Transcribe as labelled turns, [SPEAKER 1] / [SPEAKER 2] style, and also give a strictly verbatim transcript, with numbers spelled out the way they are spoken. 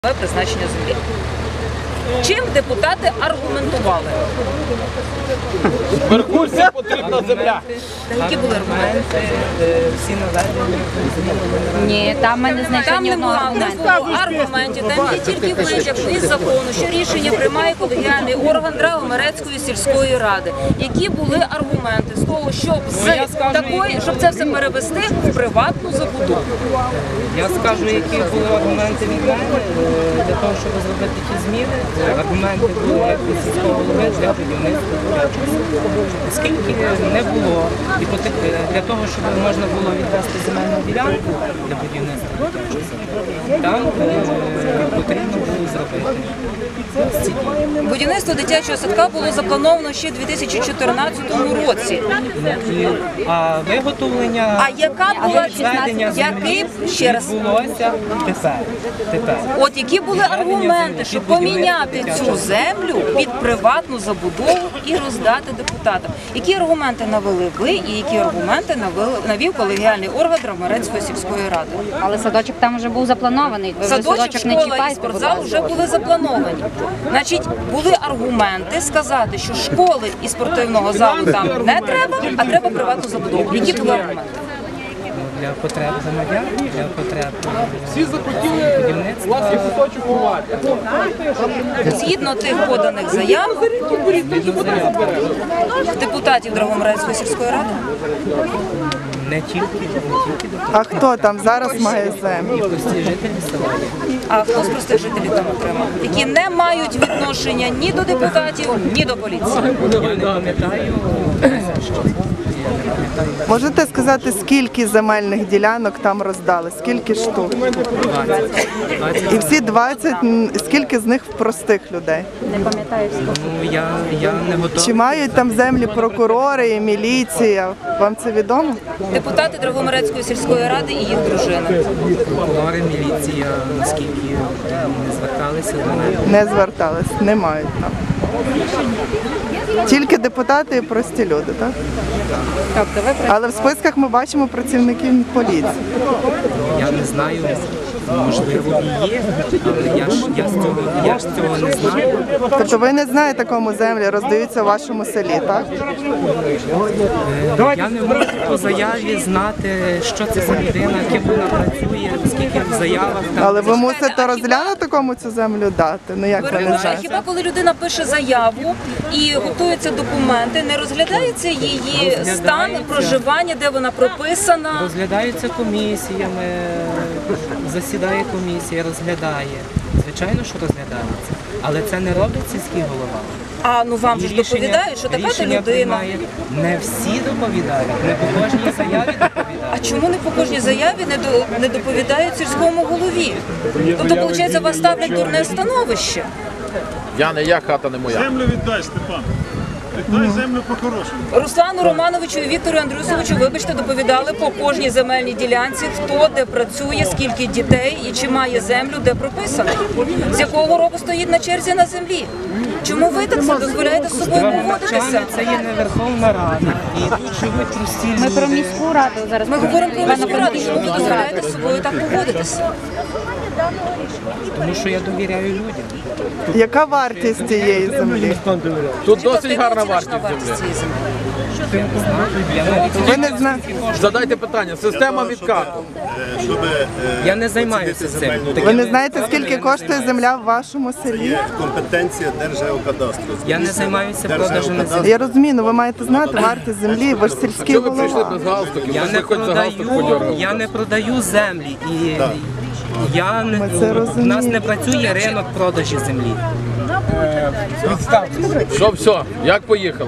[SPEAKER 1] Призначення землі. Чим депутати аргументували?
[SPEAKER 2] Меркурцям потрібна земля.
[SPEAKER 1] Які були аргументи?
[SPEAKER 3] Всі наведені.
[SPEAKER 4] Ні, там ми не знайшли
[SPEAKER 1] Там
[SPEAKER 4] ні
[SPEAKER 1] не
[SPEAKER 4] одного
[SPEAKER 1] було
[SPEAKER 4] аргументу.
[SPEAKER 1] аргументів, там є тільки витяг із закону, що рішення приймає колегіальний орган Драгомерецької сільської ради. Які були аргументи з того, щоб з такої, щоб це все перевести в приватну забудову?
[SPEAKER 3] Я скажу, які були аргументи від мене для того, щоб зробити ті зміни. Аргументи були як від сільського голови для будівництва. Оскільки не було, і для того, щоб можна було відвести земельну ділянку для будівництва, там потрібно було зробити.
[SPEAKER 1] Будівництво дитячого садка було заплановано ще у дві тисячі чотирнадцятому році.
[SPEAKER 3] А виготовлення,
[SPEAKER 1] А яка була
[SPEAKER 3] відведення
[SPEAKER 1] який ще раз?
[SPEAKER 3] відбулося тепер. тепер.
[SPEAKER 1] От які були аргументи, щоб поміняти цю землю під приватну забудову і роздати депутатам? Які аргументи навели ви і які аргументи навели, навів колегіальний орган Драгомерецької сільської ради?
[SPEAKER 4] Але садочок там вже був запланований. Ви вже
[SPEAKER 1] Садочок,
[SPEAKER 4] садочок не
[SPEAKER 1] школа і
[SPEAKER 4] чіпайте, будь
[SPEAKER 1] спортзал
[SPEAKER 4] ласка.
[SPEAKER 1] вже були заплановані. Значить, були аргументи сказати, що школи і спортивного залу там не треба, а треба приватну забудову. Які були аргументи?
[SPEAKER 3] Для потреб громадян, для потреб
[SPEAKER 2] Всі захотіли
[SPEAKER 3] будівництва.
[SPEAKER 2] власний куточок ховати.
[SPEAKER 1] Згідно тих поданих заяв депутатів Драгомерецької сільської ради,
[SPEAKER 3] Не тільки, не тільки до
[SPEAKER 5] А хто там зараз має землю?
[SPEAKER 3] прості жителі села.
[SPEAKER 1] а хто з простих жителів там отримав, які не мають відношення ні до депутатів, ні до поліції.
[SPEAKER 3] Я не пам'ятаю, що
[SPEAKER 5] Можете сказати, скільки земельних ділянок там роздали? Скільки штук? І всі двадцять, м, скільки з них в простих людей?
[SPEAKER 4] Не пам'ятаю всього.
[SPEAKER 3] ну, я, я не
[SPEAKER 5] Чи
[SPEAKER 3] готовий.
[SPEAKER 5] мають там землі прокурори і міліція? Вам це відомо?
[SPEAKER 1] Депутати Драгомерецької сільської ради і їх дружини.
[SPEAKER 3] Прокурори, міліція, наскільки не зверталися до мене.
[SPEAKER 5] Не звертались, не мають там. Тільки депутати і прості люди, так?
[SPEAKER 1] Тобто ви
[SPEAKER 5] Але в списках ми бачимо працівників поліції.
[SPEAKER 3] Я не знаю, можливо, і є, але я ж, я з цього, я ж цього не знаю.
[SPEAKER 5] Тобто ви не знаєте, кому землі роздаються в вашому селі, так?
[SPEAKER 3] Я не можу по заяві знати, що це за людина, ким вона працює, скільки в заявах там.
[SPEAKER 5] Але ви мусите розглянути, кому цю землю дати. Ну як ви не
[SPEAKER 1] А
[SPEAKER 5] знаєте?
[SPEAKER 1] хіба коли людина пише заяву і готуються документи, не розглядається її стан проживання, де вона прописана?
[SPEAKER 3] Розглядаються комісіями, засідає комісія, розглядає. Звичайно, що розглядається. Але це не робить сільський голова.
[SPEAKER 1] А ну вам же ж
[SPEAKER 3] І рішення-
[SPEAKER 1] доповідають, що така то
[SPEAKER 3] рішення
[SPEAKER 1] людина.
[SPEAKER 3] приймає. Не всі доповідають, не по кожній заяві
[SPEAKER 1] А
[SPEAKER 3] доповідають.
[SPEAKER 1] чому не по кожній заяві не, до, не доповідають сільському голові? Тобто, виходить, вас ставлять дурне становище.
[SPEAKER 2] Я не я, хата не моя.
[SPEAKER 6] Землю віддай, Степан. Віддай землю по-хорошому.
[SPEAKER 1] Руслану Романовичу і Віктору Андрюсовичу, вибачте, доповідали по кожній земельній ділянці, хто де працює, скільки дітей і чи має землю, де прописано. З якого року стоїть на черзі на землі. Чому ви так це дозволяєте з собою поводитися?
[SPEAKER 3] Це є не Верховна Рада. І тут живуть прості
[SPEAKER 4] Ми про
[SPEAKER 3] люди.
[SPEAKER 4] міську раду зараз.
[SPEAKER 1] Ми говоримо про міську раду, чому ви дозволяєте з собою так поводитися?
[SPEAKER 3] Тому що я довіряю людям.
[SPEAKER 5] Яка вартість цієї землі?
[SPEAKER 2] Тут
[SPEAKER 1] Яка
[SPEAKER 2] досить гарна
[SPEAKER 1] оціночна
[SPEAKER 2] вартість землі.
[SPEAKER 1] цієї землі?
[SPEAKER 3] Я навіть
[SPEAKER 5] Ви не знаєте?
[SPEAKER 2] Задайте питання. Система відкату.
[SPEAKER 6] Щоб
[SPEAKER 3] я не займаюся цим.
[SPEAKER 5] Ви не знаєте, скільки коштує земля в вашому селі?
[SPEAKER 6] є компетенція Держгеокадастру.
[SPEAKER 3] Я не займаюся продажем на землі.
[SPEAKER 5] Я розумію, але ви маєте знати вартість землі, ви ж сільський
[SPEAKER 2] Що ви прийшли
[SPEAKER 5] голова.
[SPEAKER 2] без галстуків?
[SPEAKER 3] Я
[SPEAKER 2] Ви
[SPEAKER 3] не
[SPEAKER 2] хоч за галстук
[SPEAKER 3] продаю,
[SPEAKER 2] подергали.
[SPEAKER 3] я не продаю землі. І я не,
[SPEAKER 5] Ми це
[SPEAKER 3] у нас не
[SPEAKER 5] розуміємо.
[SPEAKER 3] працює ринок продажі землі.
[SPEAKER 2] Що, все, як поїхали?